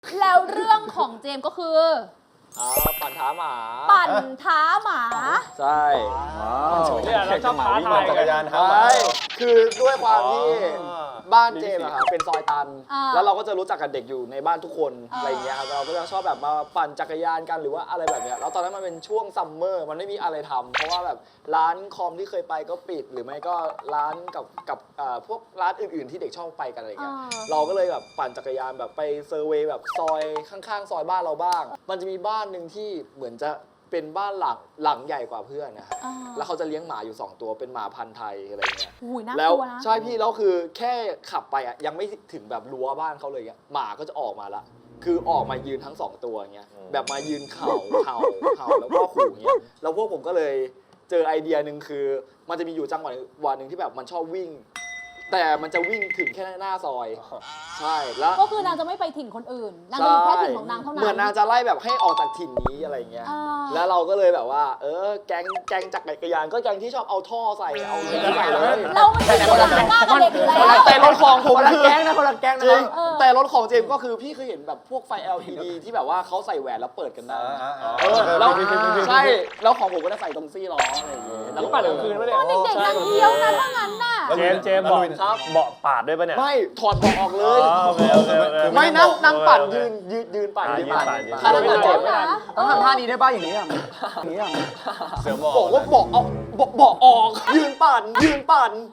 แล้วเรื่องของเจมส์ก็คือปั่นท้าหมาปั่นท้าหมาใช่เนี่ยเราชอบท้าทายจักรยานท้าหมาใช่คือด้วยความที่บ้านเจมส์อะครับเป็นซอยตันแล้วเราก็จะรู้จักกับเด็กอยู่ในบ้านทุกคนอะไรอย่างเงี้ยครับเราก็จะชอบแบบมาปั่นจักรยานกันหรือว่าอะไรแบบเนี้ยแล้วตอนนั้นมันเป็นช่วงซัมเมอร์มันไม่มีอะไรทำเพราะว่าแบบร้านคอมที่เคยไปก็ปิดหรือไม่ก็ร้านกับพวกร้านอื่นๆที่เด็กชอบไปกันอะไรเงี้ยเราก็เลยแบบปั่นจักรยานแบบไปเซอร์เวย์แบบซอยข้างๆซอยบ้านเราบ้างมันจะมีบ้านหนึ่งที่เหมือนจะเป็นบ้านหลังใหญ่กว่าเพื่อนนะครับแล้วเขาจะเลี้ยงหมาอยู่2ตัวเป็นหมาพันธุ์ไทยอะไรเงี้ยแล้วใช่พี่แล้วคือแค่ขับไปอ่ะยังไม่ถึงแบบรั้วบ้านเขาเลยหมาก็จะออกมาละคือออกมายืนทั้ง2ตัวเงี้ยแบบมายืนเห่าแล้วก็ขู่เงี้ยแล้วพวกผมก็เลยเจอไอเดียหนึ่งคือมันจะมีอยู่จังหวะหนึ่งที่แบบมันชอบวิ่งแต่มันจะวิ่งถึงแค่หน้าซอยใช่แล้วก็คือนางจะไม่ไปถิ่นคนอื่นนางจะอยู่แค่ถิ่นของนางเท่านั้นเหมือนนางจะไล่แบบให้ออกจากถิ่นนี้อะไรเงี้ยแล้วเราก็เลยแบบว่าแก๊งจักรยานก็แก๊งที่ชอบเอาท่อใส่เอาอะไรใส่เลยเราไม่ได้คนละหน้ากับเด็กอยู่แล้วแต่รถของผมคือแก๊งนะคนละแก๊งนะแต่รถของเจมส์ก็คือพี่เคยเห็นแบบพวกไฟ LED ที่แบบว่าเขาใส่แหวนแล้วเปิดกันได้แล้วใช่แล้วของผมก็จะใส่ตรงซี่ล้ออะไรอย่างเงี้ยแล้วก็ปั่นกลางคืนวะเนี่ยเด็กๆนางเที่ยวนะถ้างั้นน่ะเจมส์บอกเบาะปาดด้วยป่ะเนี่ยไม่ถอดเบาะออกเลยไม่นั่งปั่นยืนปั่นถ้านั่งปั่นเจ็บไม่ได้ต้องทำท่านี้ได้ป่ะอย่างนี้เสือบอกว่าเบาะออกยืนปั่นยืนปั่น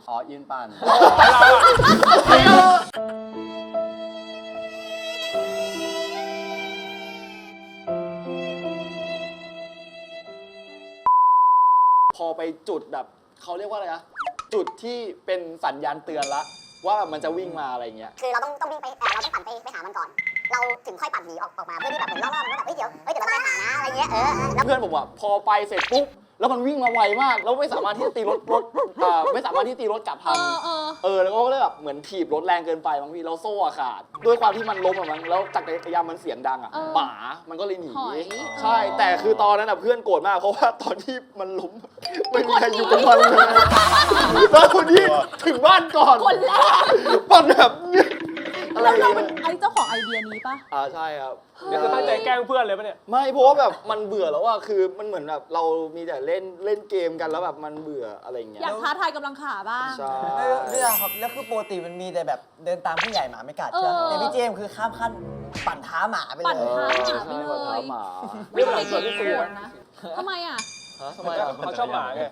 พอไปจุดแบบเขาเรียกว่าอะไรนะจุดที่เป็นสัญญาณเตือนละว่ามันจะวิ่งมาอะไรเงี้ยคือเราต้องวิ่งไปเราต้องปั่นไปหามันก่อนเราถึงค่อยปั่นหนีออกมาเพื่อที่แบบเหมือนล่อๆมันว่าแบบเดี๋ยวเราไปหานะอะไรเงี้ยแล้วเพื่อนผมอ่ะพอไปเสร็จปุ๊บแล้วมันวิ่งมาไวมากแล้วไม่สามารถที่จะตีรถไม่สามารถที่ตีรถกลับทันแล้วก็เลยแบบเหมือนถีบรถแรงเกินไปบางทีเราโซ่ขาดด้วยความที่มันล้มอะมั้งแล้วจักรยานมันเสียงดังอ่ะหมามันก็เลยหนีใช่แต่คือตอนนั้นอ่ะเพื่อนโกรธมากเพราะว่าตอนที่มันล้มไม่มีใครอยู่กับมันเลยแล้วคนที่ถึงบ้านก่อนคนแรกปั่นแบบแล้วเราเป็นไอ้เจ้าของไอเดียนี้ปะใช่ครับนี่คือตั้งใจแกล้งเพื่อนเลยป่ะเนี่ยไม่เพราะว่าแบบมันเบื่อแล้วอะคือมันเหมือนแบบเรามีแต่เล่นเกมกันแล้วแบบมันเบื่ออะไรเงี้ยอยากท้าทายกำลังขาบ้างใช่เรื่องครับแล้วคือปกติมันมีแต่แบบเดินตามผู้ใหญ่หมาไม่กัดใช่ไหมแต่พี่เจมคือข้ามขั้นปั่นท้าหมาไปเลยปั่นท้าหมาไปเลยไม่ได้เด็กๆนะทำไมอ่ะเขาชอบหมาไง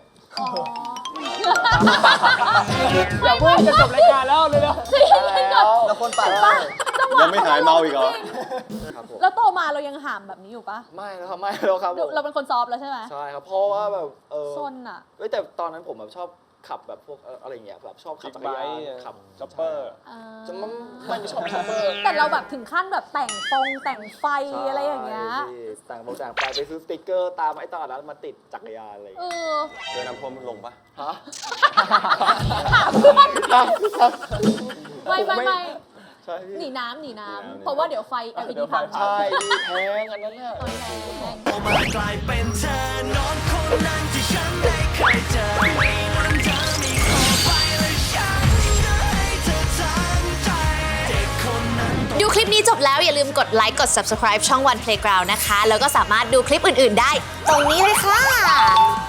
อย่าพูดจะจบรายการแล้วเลยแล้วคนปั่นยังไม่หายเมาอีกเหรอแล้วโตมาเรายังหามแบบนี้อยู่ปะไม่แล้วครับไม่แล้วครับเราเป็นคนซอฟแล้วใช่ไหมใช่ครับเพราะว่าแบบซนอ่ะแต่ตอนนั้นผมแบบชอบขับแบบพวกอะไรเงี้ยแบบชอบขับจักรยานขับจ็อปเปอร์จะไม่ชอบจ็อปเปอร์แต่เราแบบถึงขั้นแบบแต่งไฟอะไรอย่างเงี้ยแต่งไฟไปซื้อสติ๊กเกอร์ตามไอ้ตลาดนั้นมาติดจักรยานอะไรเจอน้ำท่วมลงปะฮะไม่หนีน้ำเพราะว่าเดี๋ยวไฟ LED พังใช่แพงอันนั้นเนี่ยมากลายเป็นเธอน้องคนนั้นที่ฉันได้เคยเจอวันเธอมีขอไปและฉันจะให้เธอทั้งใจเด็กคนนั้นดูคลิปนี้จบแล้วอย่าลืมกดไลค์กด Subscribe ช่อง One Playground นะคะแล้วก็สามารถดูคลิปอื่นๆได้ตรงนี้เลยค่ะ